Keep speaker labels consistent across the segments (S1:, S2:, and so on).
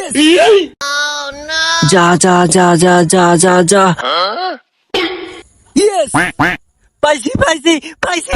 S1: যা যা যা যা যা যা যা ইয়েস পাইছি পাইছি পাইছি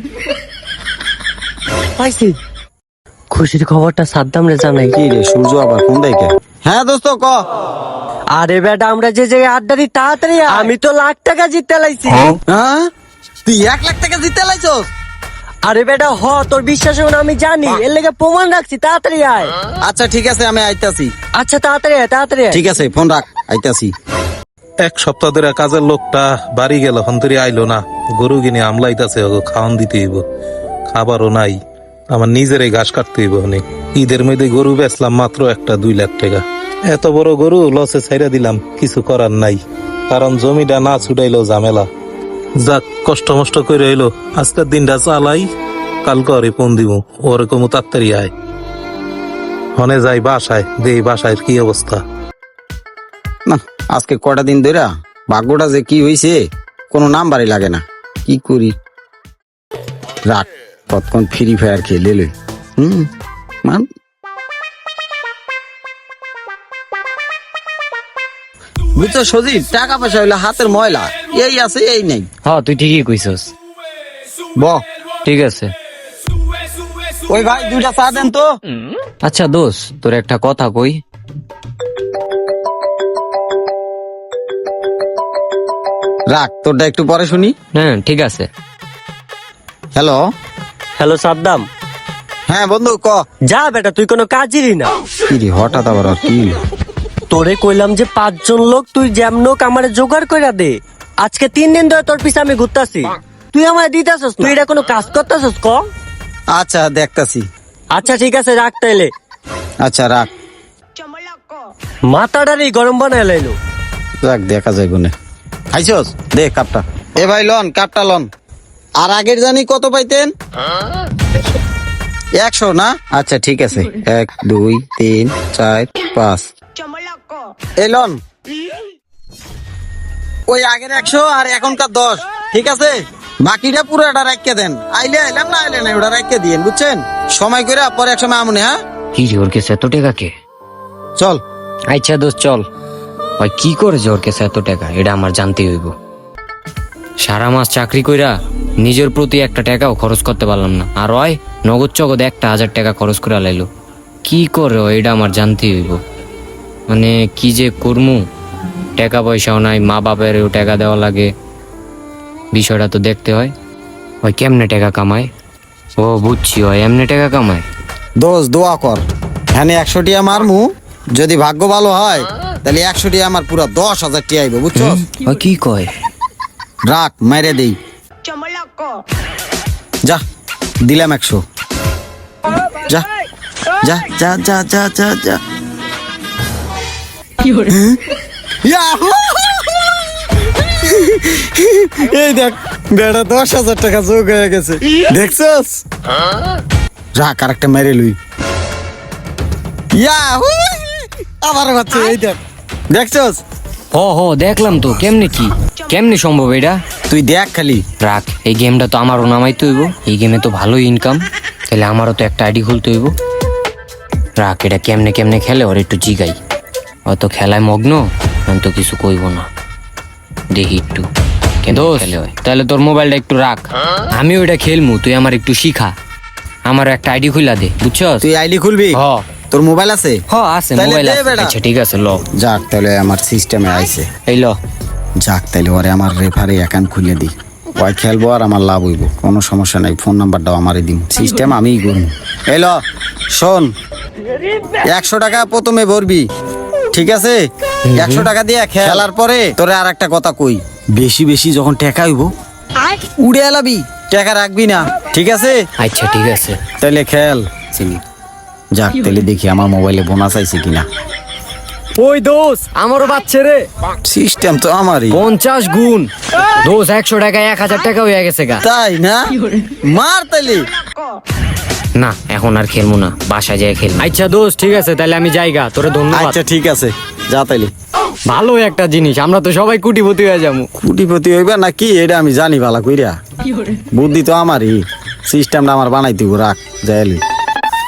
S1: পাইছি। খুশির খবরটা সাদ্দাম রে জানাই।
S2: কি রে সূর্য আবার কোন দিকে? হ্যাঁ দোস্ত ক।
S1: আরে বেটা আমরা যে জায়গায় আড্ডা দিই তাড়াতাড়ি আয়। আমি তো লাখ টাকা জিততে লাইছি।
S2: হ্যাঁ তুই 1 লাখ টাকা জিতে লাইছস?
S1: আরে বেটা হ তোর বিশ্বাস হবে না আমি জানি, এর লেগে প্রমাণ রাখছি, তাড়াতাড়ি আয়।
S2: আচ্ছা ঠিক আছে আমি আইতাছি।
S1: আচ্ছা তাড়াতাড়ি আয় তাড়াতাড়ি আয়।
S2: ঠিক আছে ফোন রাখ, আইতাছি।
S3: এক সপ্তাহ ধরে কাজের লোকটা বাড়ি গেল, হন্তরি আইলো না। গরু কিনে আমলাইতাছে, খাওয়ান দিতে হইব, খাবারও নাই। আমার নিজের ঘাস কাটতে হইব। অনেক ঈদের মধ্যে গরু বেচলাম মাত্র একটা 2 লাখ টাকা। এত বড় গরু লসে ছাইরা দিলাম, কিছু করার নাই, কারণ জমিটা না ছুটাইলো ঝামেলা। যাক কষ্ট মষ্ট করে হইলো, আজকের দিনটা চালাই, কালকে ওরে ফোন দিব, ওরে কমু তাড়াতাড়ি আয়। হনে যাই বাসায়, দেই বাসায় কি অবস্থা।
S2: না আজকে কটা দিন ধরে ভাগ্যটা যে কি হইছে কোনো নাম্বারই লাগে না। কি করি, রাখ কতক্ষণ ফ্রি ফায়ার খেলে লই। মান বুঝছো সজীব, টাকা পয়সা হইলে হাতের ময়লা, এই আছে এই নেই।
S4: হ্যাঁ তুই ঠিকই কইছস।
S2: ব
S4: ঠিক আছে।
S2: ওই ভাই 2টা চা দেন তো।
S4: আচ্ছা দোষ, তোর একটা কথা কই।
S2: রাখ তোরটা একটু পরে শুনি।
S4: হ্যাঁ ঠিক আছে।
S2: Hello
S1: hello Saddam.
S2: হ্যাঁ বন্ধু ক।
S1: যা বেটা তুই কোনো কাজেরই না।
S2: কি রে হঠাৎ আবার আর কি?
S1: তোরে কইলাম যে 5 জন লোক তুই যেমনক আমারে জোগাড় কইরা দে। আজকে 3 দিন ধরে তোর পিছে আমি ঘুরতাছি, তুই আমায় দিতাছস, তুই এটা কোনো কাজ করতাছস ক?
S2: আচ্ছা দেখতাছি।
S1: আচ্ছা ঠিক আছে রাখ তাইলে।
S2: আচ্ছা রাখ।
S1: মাথাটারই গরম বানায় লাইলো।
S2: যাক দেখা যায় গুনে। খাইছস দে কাপটা। এ ভাই লন কাপটা লন। আর আগের জানি কত পাইতেন? 100 না? আচ্ছা ঠিক আছে, 1 2 3 4 5। এই লন ওই আগের 100 আর এখনকার 10, ঠিক আছে? বাকিটা পুরোটা রাখিয়ে দেন, আইলে আইলাম না আইলে না ওটা রাখিয়ে দিয়েন, বুঝছেন? সময় করে পরে এক সময় আমনে। হ্যাঁ
S4: কি রে ওর কাছে এত টাকা কে?
S2: চল।
S4: আচ্ছা দোষ চল। ওই কি করেছে ওর কাছে এত টাকা, এটা আমার জানতে হইব। সারা মাস চাকরি কইরা নিজের প্রতি একটা টাকাও খরচ করতে পারলাম না, আর ওই নগদ চগদ 1000 টাকা খরচ করে লাইলো। কি করে এটা আমার জানতে হইব। মানে কি যে করমু, টাকা পয়সাও নাই, মা বাপেরও টাকা দেওয়া লাগে, বিষয়টা তো দেখতে হয়। ওই কেমনে টাকা কামায়? ও বুঝছি, ওই এমনি টাকা কামায়।
S2: দোষ দোয়া কর, হ্যাঁ 100 টিয়া মারমু, যদি ভাগ্য ভালো হয় তাহলে 100 টিয়া আমার পুরা 10,000 টিয়া আইব, বুঝছো?
S4: ওই কি কয়?
S2: রাখ মাইরে দেই। যা দিলাম 100। যা যা যা যা যা যা যা। ইয়াহু! এই দেখ বেড়া 10,000 টাকা যোগ হয়ে গেছে, দেখছস? রাখ আর একটা মেরে লুই। ইয়াহু! আবার বাচ্চা, এই দেখ দেখছস?
S4: হ দেখলাম তো। কেমনে সম্ভব এটা?
S2: তুই দেখ খালি।
S4: রাখ, এই গেমটা তো আমারও নামাইতে হইব। এই গেমে তো ভালোই ইনকাম, তাহলে আমারও তো একটা আইডি খুলতে হইব। রাখ, এটা কেমনে খেলে ওর একটু জিগাই। অত খেলায় মগ্ন, আমি তো কিছু কইব না, দেখি একটু কিন্তু খেলে হয়। তাহলে তোর মোবাইলটা একটু রাখ, আমি ওইটা খেলমু, তুই আমার একটু শিখা। আমার একটা আইডি খুলা দে, বুঝছস?
S2: তুই আইডি খুলবি?
S4: হ।
S2: তোর মোবাইল আছে?
S4: আছে
S2: তাইলে
S4: মোবাইল
S2: দে
S4: আছে।
S2: বেটা।
S4: আচ্ছা ঠিক আছে ল।
S2: যাক তাহলে আমার সিস্টেমে আইছে।
S4: এই ল।
S2: যাক তাইলে ওরে আমার রেফারি অ্যাকাউন্ট খুলে দিই, ওই খেলবো আর আমার লাভ হইব, কোনো সমস্যা নাই। ফোন নাম্বারটাও আমারই দিন, সিস্টেম আমিই করবো। এলো শোন, 100 টাকা প্রথমে ভরবি, ঠিক আছে? 100 টাকা দিয়ে খেলার পরে তোরে আর একটা কথা কই, বেশি বেশি যখন টাকা হইব উড়ে এলাবি, টাকা রাখবি না, ঠিক আছে?
S4: আচ্ছা ঠিক আছে।
S2: তাইলে খেল চিনি। যাক তাইলে দেখি আমার মোবাইলে বোনাস আইছে কিনা।
S4: ওই দোষ, আমারও বাচ্চা রে।
S2: সিস্টেম তো আমারই।
S4: 50 গুণ দোষ, 100 টাকায় 1000 টাকা হয়ে গেছে গা।
S2: তাই না? মার তাইলে।
S4: না এখন আর খেলবো না, বাসায় যাই খেল। আচ্ছা দোষ ঠিক আছে, তাহলে আমি যাইগা, তোরে ধন্যবাদ।
S2: আচ্ছা ঠিক আছে, যা তাইলে।
S4: ভালো একটা জিনিস, আমরা তো সবাই কোটিপতি হয়ে যাবো।
S2: কোটিপতি হইবা না কি এটা আমি জানি ভালো কইরা, বুদ্ধি তো আমারই, সিস্টেমটা আমার বানাইতে রাখ যাইলি।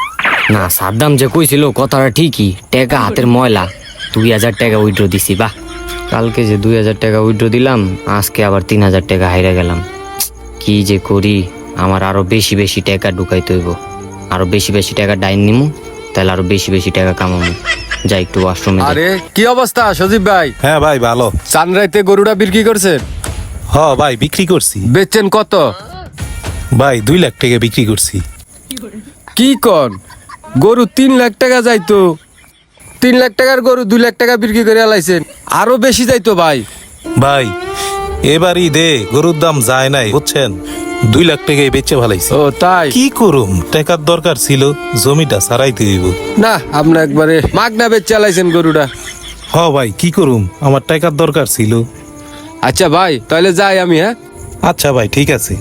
S4: না সাদ্দাম যে কইছিল কথাটা ঠিকই, টাকা হাতের ময়লা। 2000 টাকা উইথড্র দিছি। বাহ, কালকে যে 2000 টাকা উইথড্র দিলাম, আজকে আবার 3000 টাকা হাইরা গেলাম। কি যে করি, আমার আরো বেশি বেশি টাকা ঢুকাইতে হইব। আরো বেশি বেশি টাকা ডাইন নিমু, তাহলে আরো বেশি বেশি টাকা কামামু। যাই একটু ওয়াশরুমে।
S5: আরে কি অবস্থা সজীব ভাই?
S3: হ্যাঁ ভাই ভালো।
S5: চানরাইতে গরুটা বিক্রি করছেন?
S3: হ ভাই বিক্রি করছি
S5: বেচছেন কত?
S3: ভাই 2 লাখ টাকা বিক্রি করছি।
S5: কি কন, গরু 3 লাখ টাকা যাইতো? 3 লাখ টাকার গরু 2 লাখ টাকা বিক্রি করে আলাইছেন, আরো বেশি যাইতো ভাই।
S3: ভাই এবারই দে গরুর দাম যায় নাই বুঝছেন, 2 লাখ টাকায় বেচে ভালাইছি।
S5: ও তাই?
S3: কি করুম, টাকার দরকার ছিল, জমিটা সারাইতে দিব।
S5: না আপনি একবারে মাগনা বেচে আলাইছেন গরুটা।
S3: হ ভাই কি করুম, আমার টাকার দরকার ছিল।
S5: আচ্ছা ভাই তাহলে যাই আমি। হ্যাঁ
S3: আচ্ছা ভাই ঠিক আছে।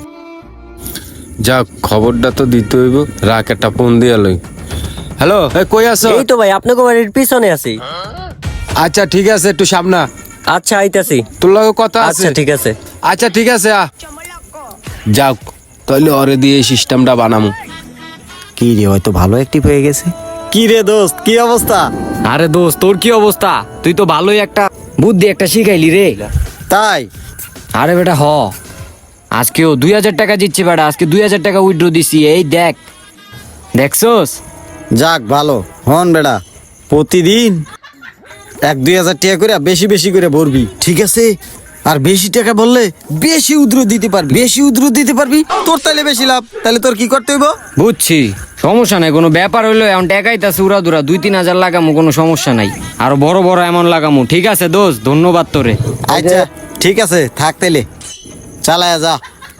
S5: যাক, খবরটা তো দিতে হইব। রাখ একটা ফোন দিয়া লই। হ্যালো, কই আছো?
S1: এই তো ভাই আপনাকে বাড়ির পিছনে আছি।
S5: আচ্ছা ঠিক আছে, একটু সামনা।
S1: আচ্ছা আইতাছি।
S5: তোর লগে কথা আছে?
S1: আচ্ছা ঠিক আছে।
S5: আচ্ছা ঠিক আছে যাক, তাহলে ওরে দিয়ে এই সিস্টেমটা বানামু।
S2: কি রে, হয়তো ভালো অ্যাক্টিভ হয়ে গেছে। কি রে দোস্ত, কি অবস্থা?
S4: আরে দোস্ত, তোর কি অবস্থা? তুই তো ভালোই একটা বুদ্ধি একটা শিখাইলি রে।
S2: তাই?
S4: আরে বেটা হ, আজকেও 2000 টাকা দিচ্ছি বেটা। আজকে 2000 টাকা উইথড্র দিছি। এই দেখ, দেখছোস?
S2: যাক ভালো। হন বেড়া, প্রতিদিন 1-2 হাজার টাকা করে বেশি বেশি করে ভরবি, ঠিক আছে? আর বেশি টাকা বললে বেশি উদ্র দিতে পারবি, বেশি উদ্র দিতে পারবি, তোর তাহলে বেশি লাভ। তাহলে তোর কি করতে হইব?
S4: বুঝছি, সমস্যা নাই, কোনো ব্যাপার হইলো। এখন টাকাই তা উড়া দুরা 2-3 হাজার লাগামু, কোনো সমস্যা নাই। আরো বড় বড় এমন লাগামু। ঠিক আছে দোস্ত, ধন্যবাদ তোরে।
S2: আচ্ছা ঠিক আছে, থাক তাইলে, চালায়া যা।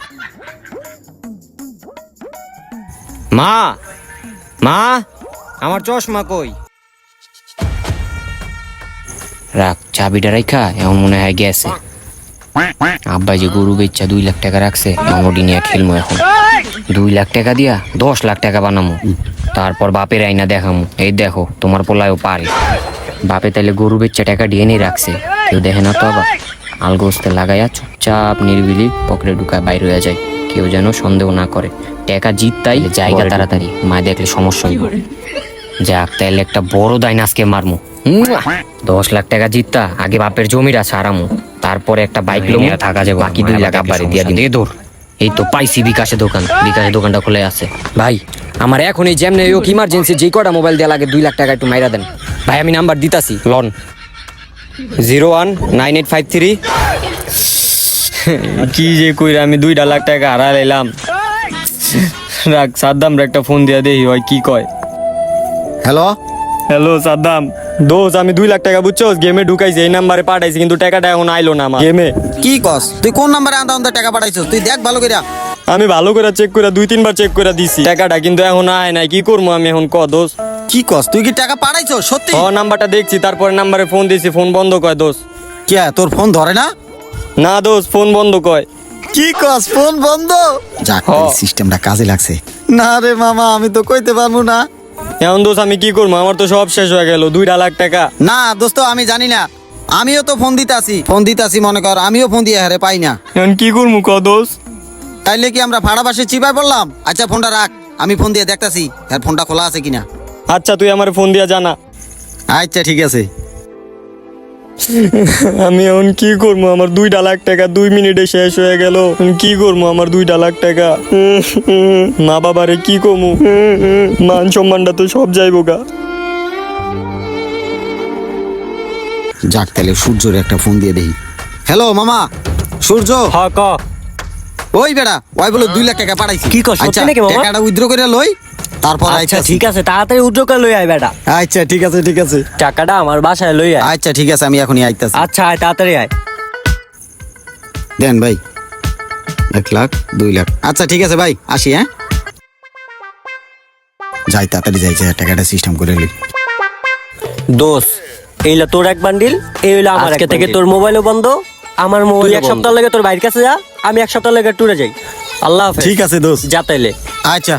S4: মা, মা, আমার চশমা কই? রাখ, চাবিটা রাখা এমন মনে হয় গেছে। আব্বাই যে গরু বেচা 2 লাখ টাকা রাখছে, এমনটি নিয়ে খেলমু এখন। 2 লাখ টাকা দিয়া 10 লাখ টাকা বানামু, তারপর বাপের আইনা দেখামু। এই দেখো তোমার পোলায়ও পারে। বাপে তাইলে গরু বেচা টাকা দিয়ে নিয়ে রাখছে, কেউ দেখে না তো। আবার আলগোস্তে লাগাইয়া চুপচাপ নির্বিলি পকেটে ঢুকায় বাইরে হয়ে যায়, কেউ যেন সন্দেহ না করে। টাকা জিততাই জায়গা তাড়াতাড়ি, মা দেখলে সমস্যা হইব। যাক, তাইলে একটা বড় দাইন আজকে মারমু। 10 লাখ টাকা জিততা আগে বাপের জমিটা সারামু, তারপরে একটা বাইক লোন থাকা যাবে, বাকি 2 লাখ আব্বারে দিয়া দিন। দূর, এই তো পাইছি বিকাশে দোকান। বিকাশে দোকানটা খুলে আছে। ভাই আমার এখন এই যেমনি হোক ইমার্জেন্সি যে কটা মোবাইল দেওয়া লাগে 2 লাখ টাকা একটু মাইরা দেন ভাই। আমি নাম্বার দিতাছি, লন 019853। কি যে কইরা আমি 2 লাখ টাকা হারা লাইলাম। রাখ, সাদ্দাম একটা ফোন দিয়া দেই হয় কি কয়।
S2: হ্যালো
S4: হ্যালো সাদ্দাম, দোস্ত আমি 2 লাখ টাকা বুঝছো গেমে ঢুকাইছি, এই নাম্বারে পাঠাইছি, কিন্তু টাকাটা এখন আইলো না আমার গেমে।
S2: কি কস? তুই কোন নাম্বারে আন্দা আন্দা টাকা পাঠাইছস? তুই দেখ ভালো কইরা।
S4: আমি ভালো করে চেক করে 2-3 বার চেক করে দিছি টাকাটা, কিন্তু এখন আয় নাই। কি করবো আমি এখন, ক দোস্ত?
S2: কি কস? তুই কি টাকা পাঠাইছস সত্যি?
S4: ও নাম্বারটা দেখছি, তারপরে নাম্বারে ফোন দিছি, ফোন বন্ধ কয় দোস্ত।
S2: কে, তোর ফোন ধরে না?
S4: না দোস্ত, ফোন বন্ধ কয়।
S2: কি কস, ফোন বন্ধ? যাক, সিস্টেমটা কাজে লাগছে। না রে মামা, আমি তো কইতে পারবো না।
S4: এখন দোস্ত আমি কি করবো, আমার তো সব শেষ হয়ে গেল 2 লাখ টাকা।
S2: না দোস্ত, আমি জানি না, আমিও তো ফোন দিতাছি মনে কর, আমিও ফোন দিয়ে হারে পাই না।
S4: এখন কি করবো ক দোস্ত?
S2: তাইলে কি আমরা ভাড়া বাসে চিপায় পড়লাম? আচ্ছা ফোনটা রাখ, আমি ফোন দিয়ে দেখতাছি আর ফোনটা খোলা আছে কিনা।
S4: আচ্ছা তুই আমার ফোন দিয়া জানা।
S2: আচ্ছা ঠিক আছে।
S4: আমি এখন কি করবো, আমার 2 লাখ টাকা 2 মিনিটে শেষ হয়ে গেল। কি করবো আমার 2 লাখ টাকা? মা বাবারে কি কমু? মান সম্মানটা তো সব যাইব গা।
S2: যাক, তাহলে সূর্যর একটা ফোন দিয়ে দেই। হ্যালো মামা, সূর্য।
S4: হ্যাঁ ক।
S2: ওই বেড়া, ওই বলে 2 লাখ টাকা পাঠাইছি।
S1: কি কস, সত্যি
S2: আচ্ছা
S1: নাকি মামা?
S2: টাকাটা উইথড্র করে লই, তারপর
S1: আচ্ছা
S2: আইতাছি।
S1: ঠিক আছে, তাড়াতাড়ি উদ্যোগ লই আয় বেটা।
S2: আচ্ছা ঠিক আছে ঠিক আছে।
S1: টাকাটা আমার বাসায় লই আয়।
S2: আচ্ছা ঠিক আছে, আমি এখনই আইতাছি।
S1: আচ্ছা আয়, তাড়াতাড়ি আয়।
S2: দেন ভাই, 1 লাখ 2 লাখ। আচ্ছা ঠিক আছে ভাই, আসি। হ্যাঁ যাই, তাড়াতাড়ি যাই, টাকাটা সিস্টেম করে লই।
S1: দোষ, এইলা তোর এক বান্ডিল, এই হইলো আমার। আজকে থেকে তোর মোবাইলও বন্ধ, আমার মোবাইল। 1 সপ্তাহ লাগে তোর বাইরের কাছে যা, আমি 1 সপ্তাহ লাগে ট্যুরে যাই। আল্লাহ হাফেজ।
S2: ঠিক আছে দোস্ত,
S1: যা তাইলে।
S2: আচ্ছা।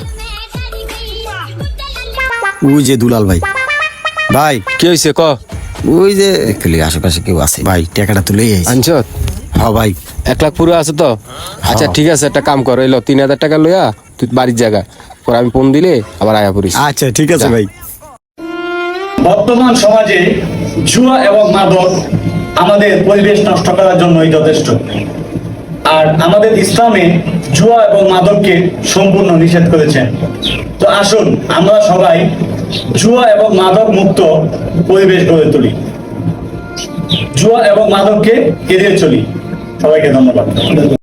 S2: ওই যে দুলাল ভাই। ভাই
S5: কি হয়েছে ক?
S2: ওই যে দেখলি আশেপাশে কেউ আছে ভাই, টাকাটা তুলেই আইছি।
S5: আনছ?
S2: হ্যাঁ ভাই।
S5: 1 লাখ পুরো আছে তো? আচ্ছা ঠিক আছে, একটা কাম কর, এলো 3,000 টাকা লইয়া তুই বাড়ির জায়গা পরে আমি ফোন দিলে আবার আয়া পড়িস।
S2: আচ্ছা ঠিক আছে ভাই।
S6: বর্তমান সমাজে জুয়া এবং মাদক আমাদের পরিবেশ নষ্ট করার জন্যই যথেষ্ট। আর আমাদের ইসলামে জুয়া এবং মাদককে সম্পূর্ণ নিষেধ করেছেন। তো আসুন আমরা সবাই জুয়া এবং মাদক মুক্ত পরিবেশ গড়ে তুলি, জুয়া এবং মাদককে এড়িয়ে চলি। সবাইকে ধন্যবাদ।